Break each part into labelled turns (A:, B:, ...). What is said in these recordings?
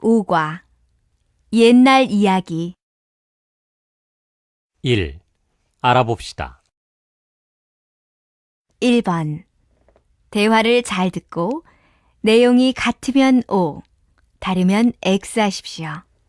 A: 제5과 옛날 이야기
B: 1. 알아봅시다.
A: 1번 대화를 잘 듣고 내용이 같으면 O, 다르면 X 하십시오.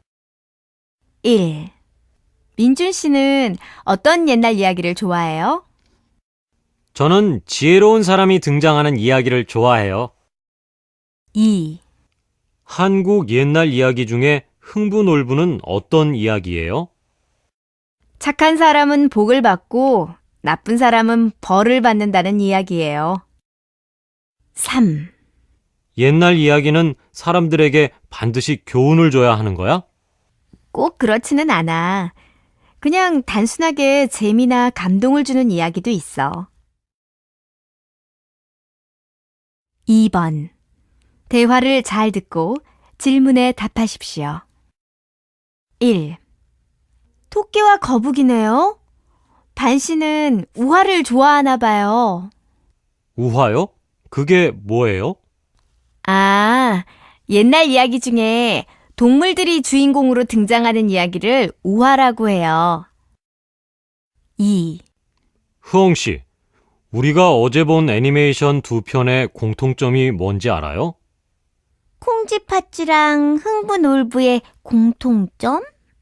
A: 1. 민준 씨는 어떤 옛날 이야기를 좋아해요?
B: 저는 지혜로운 사람이 등장하는 이야기를 좋아해요.
A: 2.
B: 한국 옛날 이야기 중에 흥부놀부는 어떤 이야기예요?
A: 착한 사람은 복을 받고 나쁜 사람은 벌을 받는다는 이야기예요. 3.
B: 옛날 이야기는 사람들에게 반드시 교훈을 줘야 하는 거야?
A: 꼭 그렇지는 않아. 그냥 단순하게 재미나 감동을 주는 이야기도 있어. 2번 대화를 잘 듣고 질문에 답하십시오. 1. 토끼와 거북이네요. 반 씨는 우화를 좋아하나 봐요.
B: 우화요? 그게 뭐예요?
A: 아, 옛날 이야기 중에 동물들이 주인공으로 등장하는 이야기를 우화라고 해요. 2.
B: 흐엉 씨, 우리가 어제 본 애니메이션 두 편의 공통점이 뭔지 알아요?
A: 콩쥐팥쥐랑 흥부놀부의 공통점?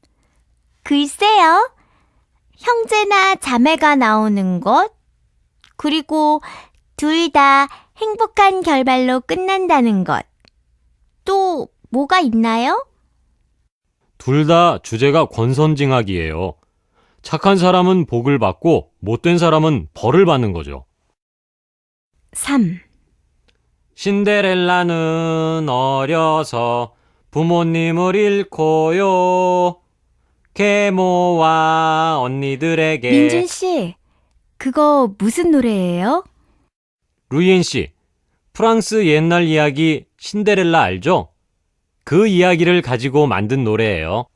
A: 글쎄요. 형제나 자매가 나오는 것, 그리고 둘 다 행복한 결말로 끝난다는 것. 또 뭐가 있나요?
B: 둘 다 주제가 권선징악이에요. 착한 사람은 복을 받고 못된 사람은 벌을 받는 거죠.
A: 3.
B: 신데렐라는 어려서 부모님을 잃고요. 계모와 언니들에게.
A: 민준 씨, 그거 무슨 노래예요?
B: 루이엔 씨, 프랑스 옛날 이야기 신데렐라 알죠? 그 이야기를 가지고 만든 노래예요.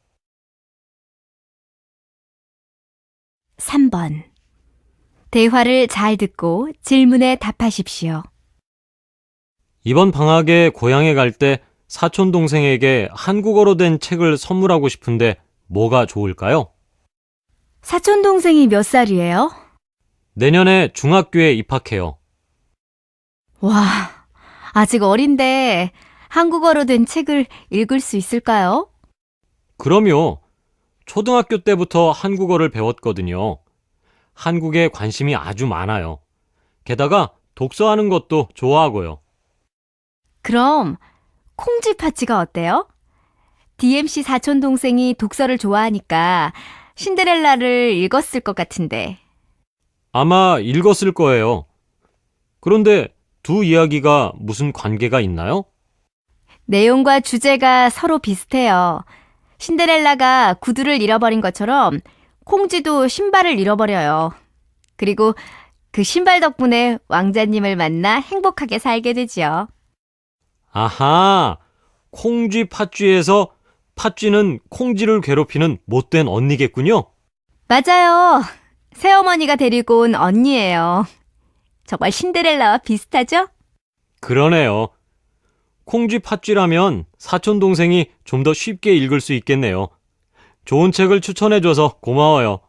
A: 3번 대화를 잘 듣고 질문에 답하십시오.
B: 이번 방학에 고향에 갈 때 사촌 동생에게 한국어로 된 책을 선물하고 싶은데 뭐가 좋을까요?
A: 사촌 동생이 몇 살이에요?
B: 내년에 중학교에 입학해요.
A: 와, 아직 어린데 한국어로 된 책을 읽을 수 있을까요?
B: 그럼요. 초등학교 때부터 한국어를 배웠거든요. 한국에 관심이 아주 많아요. 게다가 독서하는 것도 좋아하고요.
A: 그럼 콩쥐팥쥐가 어때요? DMC 사촌 동생이 독서를 좋아하니까 신데렐라를 읽었을 것 같은데.
B: 아마 읽었을 거예요. 그런데 두 이야기가 무슨 관계가 있나요?
A: 내용과 주제가 서로 비슷해요. 신데렐라가 구두를 잃어버린 것처럼 콩쥐도 신발을 잃어버려요. 그리고 그 신발 덕분에 왕자님을 만나 행복하게 살게 되지요.
B: 아하, 콩쥐 팥쥐에서 팥쥐는 콩쥐를 괴롭히는 못된 언니겠군요.
A: 맞아요. 새어머니가 데리고 온 언니예요. 정말 신데렐라와 비슷하죠?
B: 그러네요. 콩쥐 팥쥐라면 사촌 동생이 좀 더 쉽게 읽을 수 있겠네요. 좋은 책을 추천해줘서 고마워요.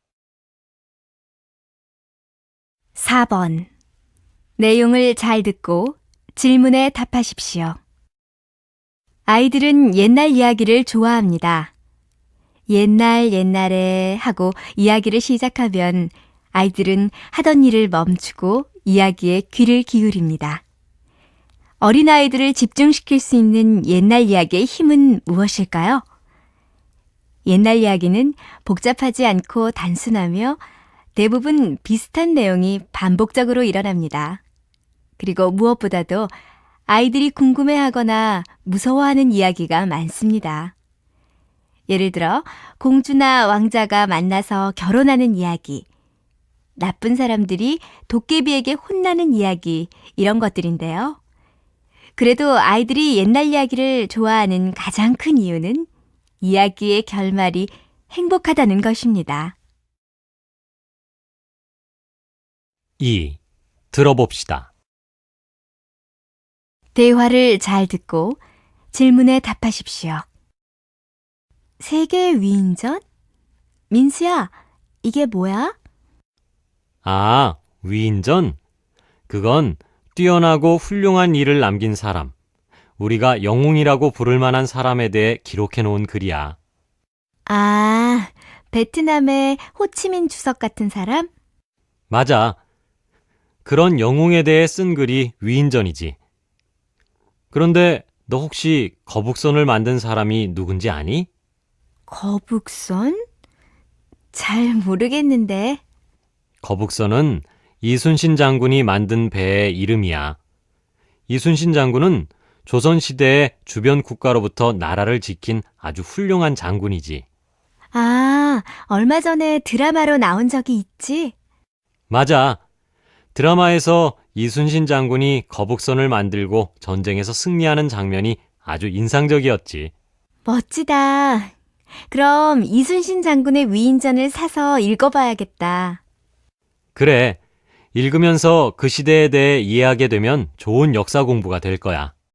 A: 4번 내용을 잘 듣고 질문에 답하십시오. 아이들은 옛날 이야기를 좋아합니다. 옛날에 하고 이야기를 시작하면 아이들은 하던 일을 멈추고 이야기에 귀를 기울입니다. 어린아이들을 집중시킬 수 있는 옛날 이야기의 힘은 무엇일까요? 옛날 이야기는 복잡하지 않고 단순하며 대부분 비슷한 내용이 반복적으로 일어납니다. 그리고 무엇보다도 아이들이 궁금해하거나 무서워하는 이야기가 많습니다. 예를 들어 공주나 왕자가 만나서 결혼하는 이야기, 나쁜 사람들이 도깨비에게 혼나는 이야기, 이런 것들인데요. 그래도 아이들이 옛날 이야기를 좋아하는 가장 큰 이유는 이야기의 결말이 행복하다는 것입니다.
B: 2. 들어봅시다.
A: 대화를 잘 듣고 질문에 답하십시오. 세계 위인전? 민수야, 이게 뭐야?
B: 아, 위인전? 그건 뛰어나고 훌륭한 일을 남긴 사람, 우리가 영웅이라고 부를 만한 사람에 대해 기록해 놓은 글이야.
A: 아, 베트남의 호치민 주석 같은 사람?
B: 맞아. 그런 영웅에 대해 쓴 글이 위인전이지. 그런데 너 혹시 거북선을 만든 사람이 누군지 아니?
A: 거북선? 잘 모르겠는데.
B: 거북선은 이순신 장군이 만든 배의 이름이야. 이순신 장군은 조선시대의 주변 국가로부터 나라를 지킨 아주 훌륭한 장군이지.
A: 아, 얼마 전에 드라마로 나온 적이 있지?
B: 맞아. 드라마에서 이순신 장군이 거북선을 만들고 전쟁에서 승리하는 장면이 아주 인상적이었지.
A: 멋지다. 그럼 이순신 장군의 위인전을 사서 읽어봐야겠다.
B: 그래. 읽으면서 그 시대에 대해 이해하게 되면 좋은 역사 공부가 될 거야.